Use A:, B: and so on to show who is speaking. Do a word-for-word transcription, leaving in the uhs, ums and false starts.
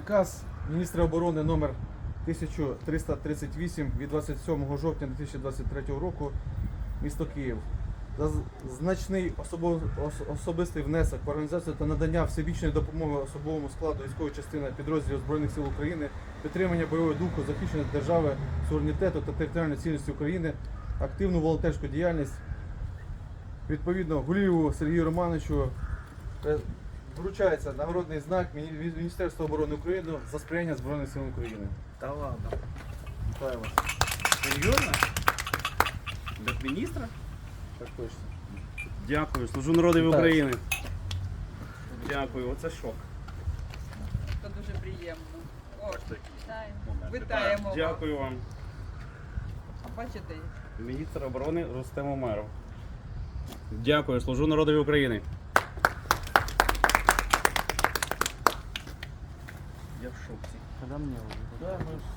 A: Наказ міністра оборони номер тисяча триста тридцять вісім від двадцять сьомого жовтня дві тисячі двадцять третього року, місто Київ. За значний особо- ос- особистий внесок в організацію та надання всебічної допомоги особовому складу військової частини підрозділів Збройних сил України, підтримання бойового духу, захищення держави, суверенітету та територіальної цілісності України, активну волонтерську діяльність. Відповідно, Гулієву Сергію Романовичу е, вручається нагородний знак Міні- від Міністерства оборони України за сприяння Збройним силам України.
B: Та ладно.
A: Вітаю вас.
B: Серйозно? Для міністра?
A: Так точно.
B: Дякую. Служу народові
A: Вітаю.
B: України. Дякую, оце шок.
C: Це дуже приємно. О, вітаємо.
B: Момент.
C: Вітаємо вас.
B: Дякую вам.
C: Бачите,
B: Міністр оборони Рустем Умеров. Дякую, служу народові України. Я в шоці.
A: Да, ми